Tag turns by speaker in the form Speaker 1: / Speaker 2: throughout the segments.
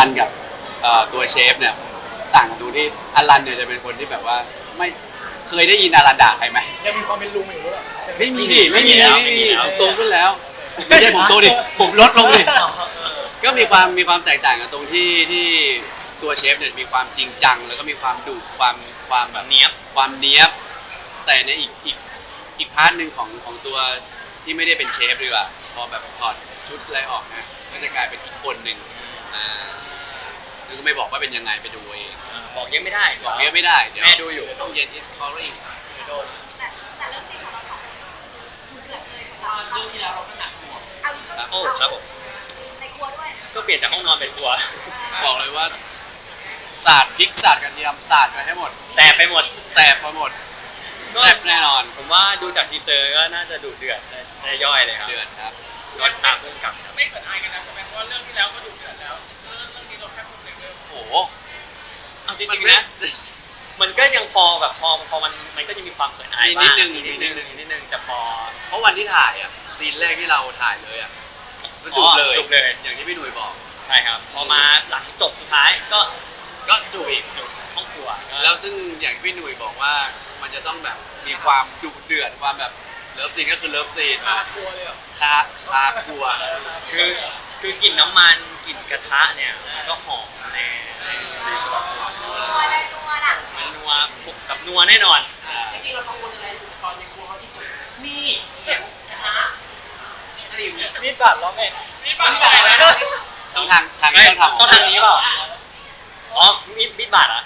Speaker 1: นกับตัวเชฟเนี่ยต่างกันตรงที่อลันเนี่ยจะเป็นคนที่แบบว่าไม่เคยได้ยินอลันด่าใครไหม
Speaker 2: ยังมีความเป็นลุงอยู่หรือเปล่า
Speaker 1: ไม่มีดิไม่มีโตขึ้นแล้วไม่ใช่ผมโตดิผมลดลงดิก็มีความแตกต่างกันตรงที่ตัวเชฟเนี่ยมีความจริงจังแล้วก็มีความดุความแบบ
Speaker 3: เนี้ยบ
Speaker 1: ความเนี้ยบแต่ในอีกพาร์ทหนึ่งของตัวที่ไม่ได้เป็นเชฟดีกว่าพอแบบถอดชุดอะไรออกนะก็จะกลายเป็นอีกคนหนึ่งซึ่งก็ไม่บอกว่าเป็นยังไงไปดูเอง
Speaker 3: บอกเยอะไม่ได้
Speaker 1: บอกเยอะไม่ได้เดี๋ยว
Speaker 3: แม่ดูอยู่
Speaker 1: ต้องเย็นที่คอริ่ง
Speaker 4: แต่เริ่มซีนของเราสองคนดูเดือดเลยสำหรับ
Speaker 2: เรื่องที่แล้วเราก็หนักหัว
Speaker 3: โอ้ครับผม
Speaker 4: ในครัวด้วย
Speaker 3: ก็เปลี่ยนจากห้องนอนเป็นครัว
Speaker 1: บอกเลยว่าสาดพริกสาดกระเทียมสาดไปให้หมด
Speaker 3: แสบไปหมด
Speaker 1: แสบไปหมดแซ่บแน่นอน
Speaker 3: ผมว่าดูจากทีเซอร์ก็น่าจะดุเดือดใช่ย่อยเลยครับ
Speaker 1: เดือดครับ
Speaker 3: ก็ตามเพื่อนกลับ
Speaker 2: ไม่เขินอายกันนะใช่ไหมเพราะว่าเรื่องที่แล้วก็ดุเดือดแล้วเรื่องนี้เราแค่พูดเรื่อง
Speaker 1: โอ้โห
Speaker 3: เอาจริงๆนะมันก็ยังพอแบบพอมันก็จะมีความเขินอายบ้างนิดนึงแต่พอ
Speaker 1: เพราะวันที่ถ่ายอ่ะซีนแรกที่เราถ่ายเลยอ่ะก็จุกเลยอย่างที่พี่หนุ่ยบอก
Speaker 3: ใช่ครับพอมาหลังจบสุดท้ายก็
Speaker 1: จุกอีก
Speaker 3: ห้องครัว
Speaker 1: แล้วซึ่งอย่างที่พี่หนุ่ยบอกว่ามันจะต้องแบบมีความดุเดือดความแบบเลิฟซีนก็คือเลิฟซีน
Speaker 2: คาครัวเลยเหรอ
Speaker 1: คาครัว
Speaker 3: คือกลิ่นน้ำมันกลิ่นกระทะเนี่ยก็หอมแน่
Speaker 4: นัวเลยนัวอ่ะ
Speaker 3: มันนัวกับนัวแน่นอน
Speaker 2: จริงๆเรากังวลอะไรตอนในครัวเขาที่สุดมีเขียงช้ามีดบาดร้องไงมีดบาด
Speaker 1: ต้องทางนี้
Speaker 3: ต้องทางนี้เปล่าอ๋อมีดบาดอ่ะ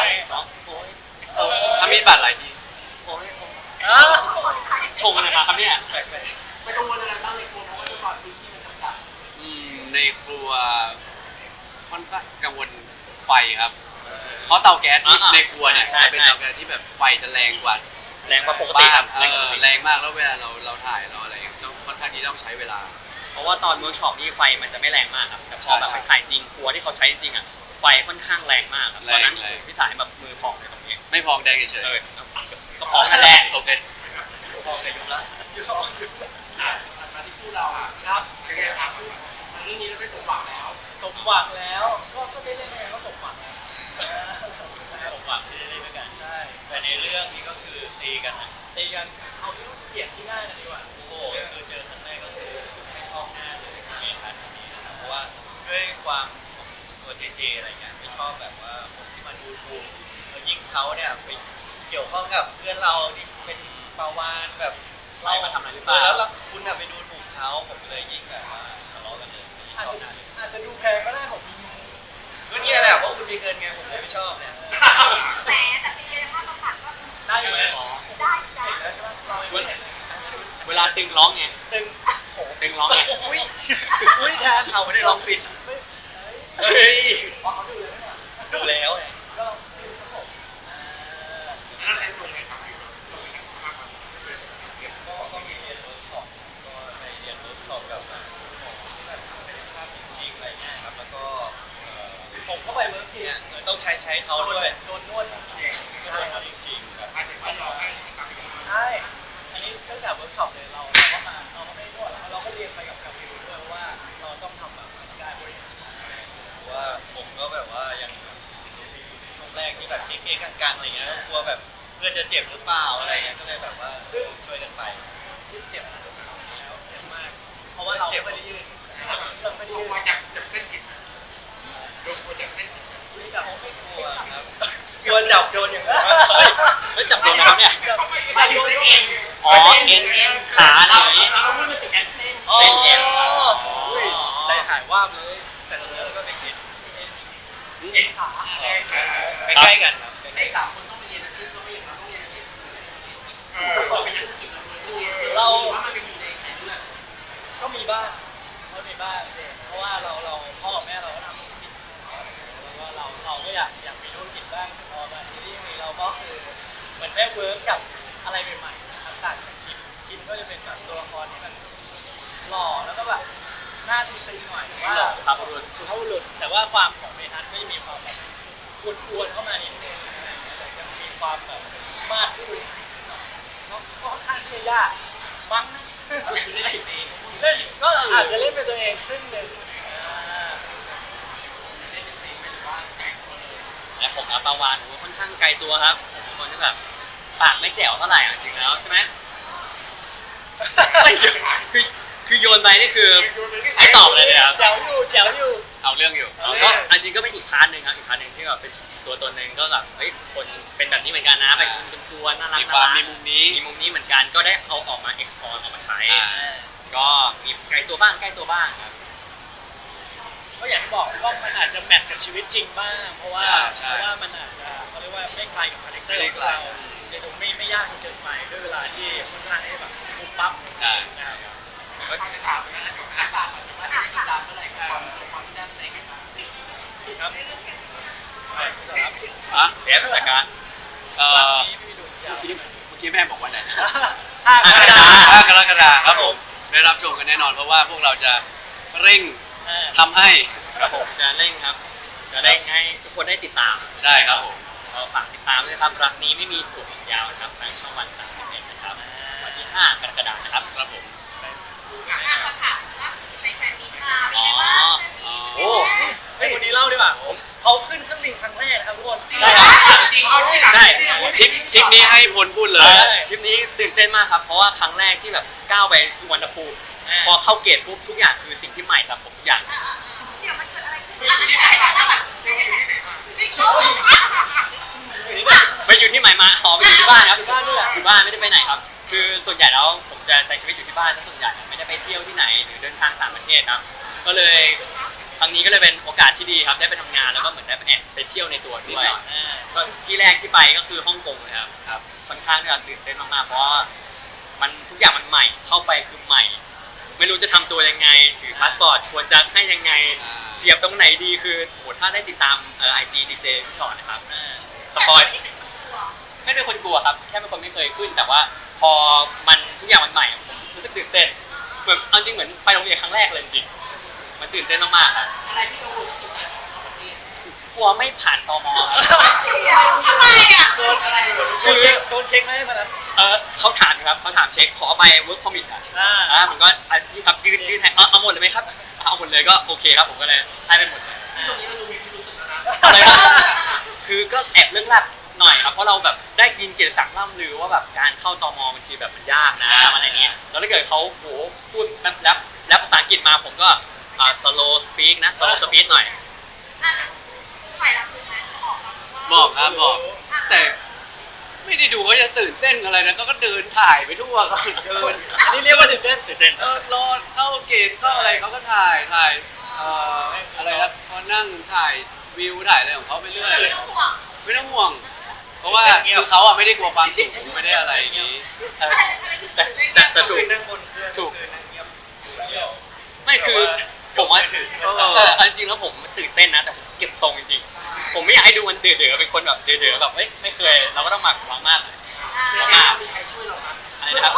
Speaker 1: ถ้ามีดบาดอะไรที
Speaker 3: ชงอะไรมาครับเนี่ย
Speaker 2: ไม่กังวลอะไรบ้างในครัวเพราะว่าด้วยความพื้นที่มันจำกัด
Speaker 1: ในครัวค่อนข้างกังวลไฟครับเพราะเตาแก๊สในครัวเนี่ยจะเป็นเตาแก๊สที่แบบไฟจะแรงกว่า
Speaker 3: ปกติครับ
Speaker 1: แรงมากแล้วเวลาเราถ่ายเราอะไรต้องค่อนข้างที่ต้องใช้เวลา
Speaker 3: เพราะว่าตอนเวิร์กช็อปนี่ไฟมันจะไม่แรงมากครับแต่พอแบบไปถ่ายจริงครัวที่เขาใช้จริงอ่ะไฟค่อนข้างแรงมากครับตอนนั้นพี่สายแบบมือพองในตรงนี้
Speaker 1: ไม่พองแดงเฉย
Speaker 3: ก็พองนั่นแหละ
Speaker 1: โอเค
Speaker 2: พองแต่ยุบละมาที่คู่เราครับเป็นไงครับเรื่องนี้เราได้สมหวังแล้วก็ได้เล่นยังไงก็สมหวัง
Speaker 5: ที่ได้เล่นด้วยกันใช่แต่ในเรื่องนี้ก็คือตีกัน
Speaker 2: เอาที่เปลี่ยนที่หน้ากันดีกว่า
Speaker 5: โอ้โหคือเจอครั้งแรกก็คือไม่ชอบหน้าเลยเมทัศน์นี้นะครับเพราะว่าด้วยความของตัวเจอะไรเงี้ยไม่ชอบแบบว่าคนที่มาดูถูกแล้วยิ่งเขาเนี่ยไปเกี่ยวข้องกับเพื่อนเราที่เป็นปาวานแบบ
Speaker 3: เรามาทำอะไรหรือเปล่า
Speaker 5: แล้วคุณไปดูถูกเขาผมเลยยิ่งแบบว่าทะเลาะกันเลย
Speaker 2: อาจจะดูแพงก็ได้ผม
Speaker 5: ก็นี่แหละเพราะคุณมีเงินไงผมเลยไม่ชอบเนี่ย
Speaker 4: แต่ซีเรียสภาพบำบัดก็
Speaker 2: ได้อยู่ไหม
Speaker 4: ได้
Speaker 2: แล้วใช่ไหม
Speaker 3: เวลาตึงร้องไงตึงร้องไง
Speaker 5: อุ้ยแทนเอาไม่ได้ร้องปิด
Speaker 3: เฮ้ย
Speaker 2: เขาดูเลย
Speaker 5: ดูแล้ว
Speaker 2: ก็ครับผม
Speaker 5: แล้วแทนตรงไหนครับก็มีเรียนเวิร์กช็อปก็ในเรียนเวิร์กช็อปกับหมอที่แบบเป็นภาพจริงอะไรเงี้ยครับแล้วก็
Speaker 2: ผมก็ไปเวิร์กจริง
Speaker 5: ต้องใช้เขาด้วย
Speaker 2: โดนนวด
Speaker 5: ก็โดนเขาจริงๆแบบ
Speaker 2: ใช่อันนี้ตั้งแต่เวิร์กช็อปเลยเราก็มาเราก็ไม่นวดแล้วเราก็เรียนไปกับวิวด้วยว่าเราต้องทำแบบได้ด้วย
Speaker 5: ว่าผมก็แบบว่ายังช่วงแรกที่แบบเก๊ๆกังๆอะไรเงี้ยกลัวแบบเพื่อนจะเจ็บหรือเปล่าอะไรเงี้ยก็เลยแบบว่าซึ่งช่วยกันไป
Speaker 2: ที่เจ็บแล้วเจ็บมากเพราะว่าเราไม่ได้ยืนเราไม่ได้ยืน
Speaker 5: มาจากเส้นกินดูมาจากเส้น
Speaker 2: ไม่จับไม่กลัว
Speaker 5: ครับกลัวจับโดนอย่างนั้น
Speaker 3: ไม่จับโดนนะครับเนี่ย
Speaker 2: ไม่โดนเอ็น
Speaker 3: อ๋อเอ็นขาอะไรอย่างงี้
Speaker 2: เราไม่มาติดเอ็นเส้น
Speaker 3: เป็นเอ็น
Speaker 2: ใจหายว่าเลย
Speaker 5: แต่แล้วก็เป็น
Speaker 2: เอ็นขา
Speaker 5: ใกล้กันครับ
Speaker 2: ไอ้3คนต้องไปเรียนอาชีพก็ไม่อย่างนั้นต้องเรียนอาชีพเราเป็นนักจิตเราว่ามันเป็นอยู่ในสายเลือดก็มีบ้างเพราะว่าเราพ่อกับแม่เราก็ทำธุรกิจแล้วก็เราก็อยากมีธุรกิจบ้างพอมาซีรีส์นี้เราก็คือเหมือนได้เวิร์กกับอะไรใหม่ๆต่างจากคิมก็จะเป็นแบบตัวละครที่มันหล่อแล้วก็แบบหน้าตึงๆหน่อยว่าสุภาพบุรุษแต่ว่าความของเมทัศน์ก็จะมีความแบบกวนๆเข้ามานิดนึงแต่จะมีความแบบมากขึ้นก็ค่อนข้างที่จะยากมั้งเล่นก็อาจจะเล่นเป็นตัวเองครึ่งหนึ่ง
Speaker 3: ปาวานค่อนข้างไกลตัวครับผมเป็นคนที่แบบปากไม่แจ๋วเท่าไหร่จริงๆแล้วใช่ไหมคือโยนไปนี่คือไม่ตอบเลยครับ
Speaker 2: แจ๋วอยู่
Speaker 1: เอาเรื่องอยู่
Speaker 3: ก็จริงก็เป็นอีกพาร์ทหนึ่งครับอีกพาร์ทหนึ่งที่แบบเป็นตัวหนึ่งก็แบบเฮ้ยคนเป็นแบบนี้เหมือนกันนะเป็นคนกลัวน่ารัก
Speaker 1: มีความมีมุมนี้
Speaker 3: มีมุมนี้เหมือนกันก็ได้เอาออกมา explore ออกมาใช้ ก็มีไกลตัวบ้างครับ
Speaker 2: ก็อย่างที่บอกว่ามันอาจจะแมทกับชีวิตจริงบ้างเพราะว่า
Speaker 1: ใช่
Speaker 2: มันอาจจะเขาเรียกว่าไม่ไกลกับคาแรคเตอร์
Speaker 1: ไม่
Speaker 2: ข
Speaker 1: ได้
Speaker 2: อง
Speaker 1: ไกล
Speaker 2: เราในตรงไม่ยากจนเกินไปด้วยเวลาที่ค่อนข้างให้แบบปุ๊บปั๊บ
Speaker 1: ใช่
Speaker 2: นะครับ ครับไปคุณสารับ
Speaker 1: อ่ะ
Speaker 3: เชฟจัดการ
Speaker 1: เอ่
Speaker 2: หลัง
Speaker 1: อ
Speaker 2: นี้ไม่มีดูยาว
Speaker 1: เมื่อกี้แม่บอกว่าไหนนะ
Speaker 2: ห้าก
Speaker 3: รกฎาคม
Speaker 1: 5 กรกฎาคมครับผมได้รับชมกันแน่นอนเพราะว่าพวกเราจะเร่งทำให้
Speaker 3: ครับผมจะเร่งครับ จะเร่งให้ทุกคนได้ติดตาม
Speaker 1: ใช่ครับผม
Speaker 3: เราฝากติดตามด้วยครับรักนี้ไม่มีถั่วฝักยาวนะครับทางช่องวัน31นะครับวันที่ 5 กรกฎาคมนะครับ
Speaker 1: ครับผม
Speaker 4: เขาถามล่าสุดไปแฟนมีตมาเป็นไงบ้าง
Speaker 3: โอ้
Speaker 2: เฮ้ยคนนี้เล่าดีกว่าเขาขึ้นเครื่องบินครั้งแรกนะครับทุกคน
Speaker 3: ใช่ครับ
Speaker 2: จริง
Speaker 3: ใช่
Speaker 1: ทริปนี้ให้พลพูดเลย
Speaker 3: ทริปนี้ตื่นเต้นมากครับเพราะว่าครั้งแรกที่แบบก้าวไปสุวรรณภูมิพอเข้าเกตปุ๊บทุกอย่างคือสิ่งที่ใหม่สำหรับผมทุกอย่าง
Speaker 4: เดี๋ยวมันเกิดอะไรขึ้นที่ไหนมาที่ไหน
Speaker 3: ไปอยู่ที่ใหม่มาอ๋อไปอยู่ที่บ้านครับ
Speaker 2: อยู่บ้านนี่แหละ
Speaker 3: อยู่บ้านไม่ได้ไปไหนครับ คือส่วนใหญ่แล้วผมจะใช้ชีวิตอยู่ที่บ้านซะส่วนใหญ่ไม่ได้ไปเที่ยวที่ไหนหรือเดินทางต่างประเทศครับ ก็เลยครั้งนี้ก็เลยเป็นโอกาสที่ดีครับได้ไปทำงานแล้วก็เหมือนได้ไปเที่ยวในตัวด้วยก็ที่แรกที่ไปก็คือฮ่องกงเลยครับ
Speaker 1: ครับ
Speaker 3: ค่อนข้างที่จะตื่นเต้นมากๆเพราะว่ามันทุกอย่างมันใหม่เข้าไปคือใหม่ ไม่รู้จะทำตัวยังไงถือพาสปอร์ตควรจะให้ยังไงเสียบตรงไหนดีคือโหถ้าได้ติดตามIG DJ พี่ชอตนะครับสปอยไม่เป็นคนกลัวครับแค่เป็นคนไม่เคยขึ้น แต่ว่าพอมันทุกอย่างมันใหม่ผมรู้สึกตื่นเต้นเหมือนเอาจริงเหมือนไปโรงเรียนครั้งแรกเลยจริงๆมันตื่นเต้นมากๆครับ
Speaker 2: อะไรที่กังวลที่สุดเนี่ย
Speaker 3: กลัวไม่ผ่านตม
Speaker 4: ทำไมอ่ะ
Speaker 2: โดนอะไรโดนเช็คไหมวันนั้น
Speaker 3: เขาถามครับเขาถามเช็คขอใบ work permit อ่ะผมก็นี่ครับยืนให้เอาหมดเลยไหมครับเอาหมดเลยก็โอเคครับผมก็เลยให้ไปหมดเลย
Speaker 2: ตรงนี้เราดูมีพิรุธสุดแล้วนะ
Speaker 3: อะไรครับคือก็แอบเรื่องลับหน่อยครับเพราะเราแบบได้ยินเกียรติศักดิ์ล่ำลือว่าแบบการเข้าตมบางทีแบบมันยากนะอะไรเงี้ยแล้วถ้าเกิดเขาโหพูดแล้วภาษาอังกฤษมาผมก็slow speak นะ slow speak หน่อย
Speaker 4: ฝ่ายรับรู้ไหมเขาบอกมาว่า
Speaker 1: บอกครับบอก แต่ไม่ได้ดูเขาจะตื่นเต้นอะไรนะเขาก็เดินถ่ายไปทั่วเขาเดิน
Speaker 2: อันนี้เรียกว่าตื่นเต้น
Speaker 1: รอเข้าเกตเข้าอะไรเขาก็ถ่ายอะไรนะพอนั่งถ่ายวิวถ่ายอะไรของเขาไปเรื่อย
Speaker 4: ไม่ต้องห่วง
Speaker 1: ไม่ต้องห่วง เพราะว่าคือเขาอ่ะไม่ได้กลัวความสูงไม่ได้อะไรอย่างนี้
Speaker 4: อะไรคือ
Speaker 3: แต่ถูก
Speaker 5: นั่งบนเครื่องคือนั่งเงียบเดียว
Speaker 3: ไม่คือผมว่า
Speaker 1: เออ
Speaker 3: จริงๆแล้วผมตื่นเต้นนะแต่ผมเก็บทรงจริงๆผมไม่อยากให้ดูมันเดือดๆเป็นคนแบบเดือดๆแบบเอ้ยไม่เคยเราก็ต้องหมักหวังมากอะไรนะครับ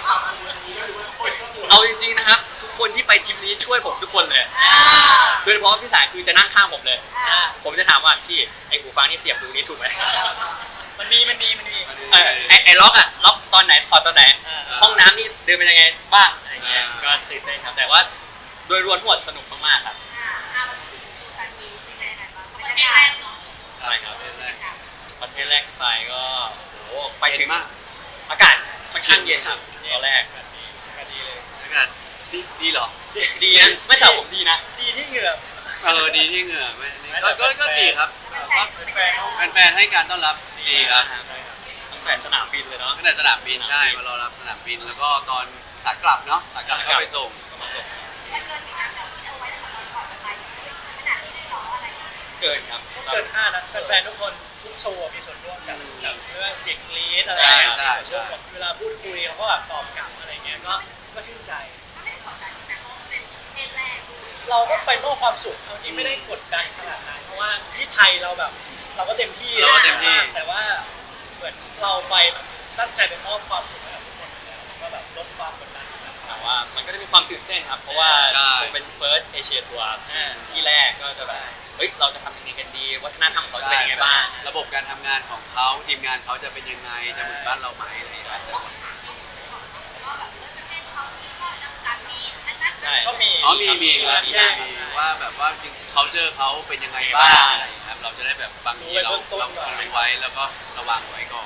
Speaker 3: เอาจริงๆนะครับทุกคนที่ไปทริปนี้ช่วยผมทุกคนเลยโดยเฉพาะพี่สายคือจะนั่งข้างผมเลย ผมจะถามว่าพี่ไอหูฟังนี่เสียบดูนี้ถูกไหม
Speaker 2: มันมี
Speaker 3: ไอล็อกอะล็อกตอนไหนถอดตอนไหน ห้องน้ำนี่เดินเป็นยังไงบ้างอะไรเงี้ยก็ตื่นเต้นครับแต่ว่าโดยรวมทั้งหมดสนุกมากๆครับ
Speaker 4: วันที่ถึงแฟนมีเป็นไงบ้างประเทศแรกเนาะ
Speaker 3: ใช่ครับประเทศแรกที่ไปก็โอ้โหไป
Speaker 1: ไป
Speaker 3: ถึ
Speaker 1: ถึ
Speaker 3: ง
Speaker 1: งมาก
Speaker 3: อากาศค่อนข้างเย็นครับตอนแรก
Speaker 2: ดีเลย
Speaker 1: อากาศดีเหรอ
Speaker 3: ดีนะไม่สำหรับผมดีนะ
Speaker 2: ดีที่เหงื่อ
Speaker 1: ดีที่เหงื่อก็ดีครับก็
Speaker 2: แฟน
Speaker 1: แฟนๆให้การต้อนรับดีครับ
Speaker 3: ตั้งแต่สนามบินเลยเนาะ
Speaker 1: ตั้งแต่สนามบินใช่มารอรับสนามบินแล้วก็ตอนขากลับเนาะขากลับก็ไปส่ง
Speaker 3: ก็มาส่ง
Speaker 4: แต่เกินอย่างนั้นแบบที่เอาไว้ตั้งแต่ตอนก่อนไปขนาดนี้ได้หรออะไร
Speaker 3: เกินครับ
Speaker 2: เกินคาดนะแฟนๆทุกคนทุกโชว์มีส่วนร่วมกันไม่ว่าเสียงกรี๊ดอะไร
Speaker 1: ใช่
Speaker 2: ส่วนร่วมเวลาพูดคุยเขาก็แบบตอบกลับอะไรเงี้ยก็ชื่นใจ
Speaker 4: ก็ไม่ได้กดดันแต่เขาเป็นประเทศแรก
Speaker 2: เราก็ไปมอบความสุขเอาจริงไม่ได้กดดันขนาดนั้นเพราะว่าที่ไทยเราแบบเราก็เต็มที่แต่ว่าเหมือนเราไปแบบตั้งใจไปมอบความสุขให้กับทุกคนแล้วก็แบบลดความกดดัน
Speaker 3: แต่ว่ามันก็จะมีความตื่นเต้นครับ เพราะว่าเป็น first Asia tour ที่แรกก็จะแบบเฮ้ยเราจะทำยังไงกันดี วัฒนธรรมเขาจะเป็นยังไงบ้าง
Speaker 1: ระบบการทำงานของเขาทีมงานเขาจะเป็นยังไงจะเหมือนบ้านเราไหมอะไรอย่างเงี้ย
Speaker 4: ว่าแบบประเทศเขามีข้อจำกัดมีอันนั้น
Speaker 3: ใช่
Speaker 2: ก็มี
Speaker 1: อ๋อมีครับ
Speaker 2: แจ้ง
Speaker 1: มีว่าแบบว่าจริง culture เขาเป็นยังไงบ้างอะไรอย่างเงี้ยครับเราจะได้แบบบางทีเรารู้ไว้แล้วก็ระวังไว้ก่อน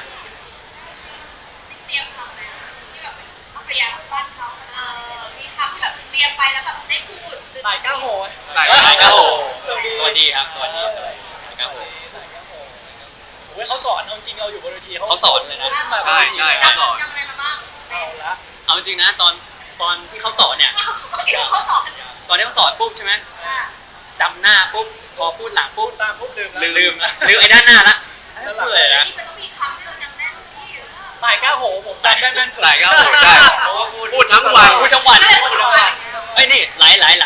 Speaker 4: เตรียมคำนะที่แบบเขาพยายามบ้านเขามีคำที่แบบเตรียมไปแล้วแบบได้พูด
Speaker 2: ตายก้าโหย
Speaker 1: ได้
Speaker 3: ครับผม
Speaker 2: สวัสดี
Speaker 3: สวัสดีครับสวัสดีครับผม
Speaker 2: ตายก้าโหยโอ้ยเขาสอนเอาจริงเราอยู่บนเวที
Speaker 3: เขาสอนเลยนะ
Speaker 1: ใช่ใช่เขาสอน
Speaker 4: จำอะไรมาบ้าง
Speaker 2: เอาละ
Speaker 3: เอาจริงนะตอนที่เขาสอนเนี่ย
Speaker 4: เขาสอน
Speaker 3: ตอนที่เขาสอนปุ๊บใช่ไหมจำหน้าปุ๊บพอพูดหลัง
Speaker 2: พู
Speaker 3: ปุ๊
Speaker 2: ด
Speaker 3: บ
Speaker 2: ตามปุ๊บดื่ม
Speaker 3: ลืมไอ้ด้านหน้าละเปื่อยนะ
Speaker 4: นี่มันต้องมีคำที่เราจำได้ทุกที่
Speaker 2: ตายก้าโหผมจำได้แม่นสุด
Speaker 1: ได้ก็ได้
Speaker 5: เพราะว่า
Speaker 1: พูดทั้งวัน
Speaker 3: พูดทั้งวัน
Speaker 4: อะไรพูดทั้งวัน
Speaker 3: เอ้ยนี่หลาย
Speaker 1: ไล่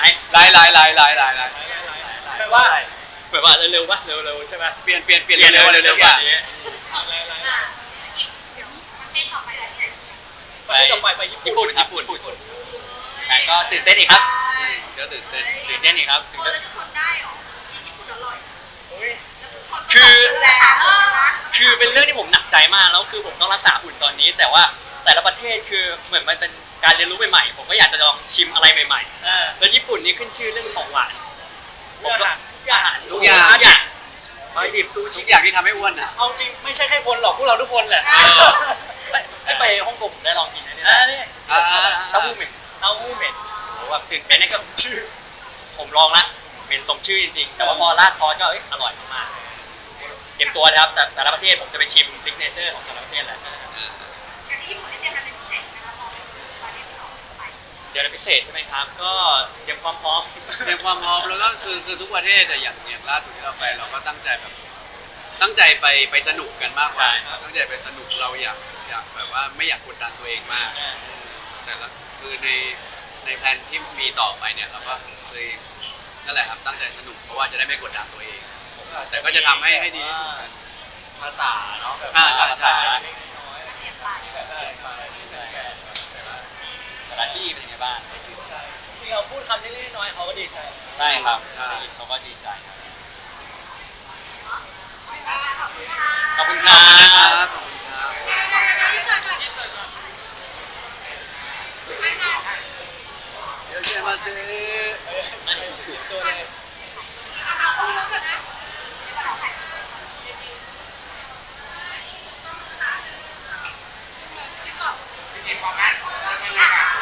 Speaker 2: แปลว่า
Speaker 3: เหมือนว่าเร็วๆปะเร็วๆใช่ไหม
Speaker 1: เปลี่ยนเร็ว
Speaker 3: เร็ว
Speaker 1: ๆ
Speaker 3: ๆ
Speaker 1: ทุก
Speaker 3: ก
Speaker 1: อ
Speaker 3: ว่า
Speaker 1: ย่าง
Speaker 3: นี้
Speaker 2: อะไร
Speaker 4: เดี๋ยวประเทศต่อไปอะไรที่ไหน
Speaker 3: ไป
Speaker 2: จะไปญี่
Speaker 3: ญี่
Speaker 2: ปุ่
Speaker 3: ปุ่
Speaker 2: น
Speaker 3: นญี่ปุ่นแต่ก็ตื่นเต้นอีกครับ
Speaker 1: ก็ตื่นเต้น
Speaker 3: ตื่นเต้นอีกครับถึง
Speaker 4: คน
Speaker 3: จะ
Speaker 4: เราจะทนได้หรอที่ญี่ปุ่นอร่อย
Speaker 2: โอ้ย
Speaker 3: คือเป็นเรื่องที่ผมหนักใจมากแล้วคือผมต้องรักษาหุ่นตอนนี้ แต่ว่าแต่ละประเทศคือเหมือนมันเป็นการเรียนรู้ใหม่ๆผมก็อยากจะลองชิมอะไรใหม่ๆแล้วญี่ปุ่นนี่ขึ้นชื่อเรื่องของหวานผมก็อาหารทุกอย่างมาดิบซู
Speaker 1: ทุ
Speaker 3: ชิ
Speaker 1: กอย่างที่ทำให้อ้วนอ่ะ
Speaker 2: เอาจริงไม่ใช่แค่คนหรอกพวกเราทุกคนแหละ
Speaker 3: ไปฮ่องกงผมได้ลองกินนะเนี่ย
Speaker 2: นี่
Speaker 3: เต้าหู้เหม็น
Speaker 2: เต้าหู้เหม็น
Speaker 3: โหแบบตื่นเต้นใน
Speaker 2: สมชื่อ
Speaker 3: ผมลองละเหม็นสมชื่อจริงๆ แต่ว่าพอราดซอสก็อร่อยมากๆเตรียมตัวนะครับแต่ละประเทศผมจะไปชิมซิกเนเจอร์ของแต่ละประเทศแหละ
Speaker 4: การที่ญี่ปุ่นได้เตรียมอะไรเป็นพิเศษนะคะพอประเทศที่สองไป
Speaker 3: เจออะไรพิเศษใช่ไหมครับ ก็เตรียมความพร้อม
Speaker 1: เตรียมความพร้อมแล้วก็คือทุกประเทศแต่อย่างล่าสุดที่เราไปเราก็ตั้งใจไปสนุกกันมากกว่าตั้งใจไปสนุกเราอยากแบบว่าไม่อยากกดดันตัวเองมากแต่ละคือในแผนที่มีต่อไปเนี่ยเราก็เลยนั่นแหละครับตั้งใจสนุกเพราะว่าจะได้ไม่กดดันตัวเอง แต่ก็จะทำให้ดีที่สุดกัน
Speaker 5: ภาษาเนาะแบบ
Speaker 1: ใช่
Speaker 4: เตรียมไป
Speaker 3: แต่ละที่เป็นยังไงบ้าง
Speaker 2: ชื่นใจที่เราพูดคำเล็กๆน้อยๆเขาก็ดีใจ
Speaker 3: ใช่ครับได้ยินเขาก็ดีใจครับ
Speaker 4: ขอบคุณค่ะ
Speaker 3: ขอบคุณค
Speaker 1: ข
Speaker 3: รั
Speaker 1: อบคุณครับ
Speaker 3: บ
Speaker 1: ขอบคุณครับ
Speaker 4: ที่สุดก่อนที่สุดก่อน
Speaker 1: เดี๋ยวเจอมาซื้อ
Speaker 2: ตัวเลย
Speaker 4: เอาคู่แล้วกันนะ
Speaker 5: จริงๆความแม่ของเราเป็นยังไง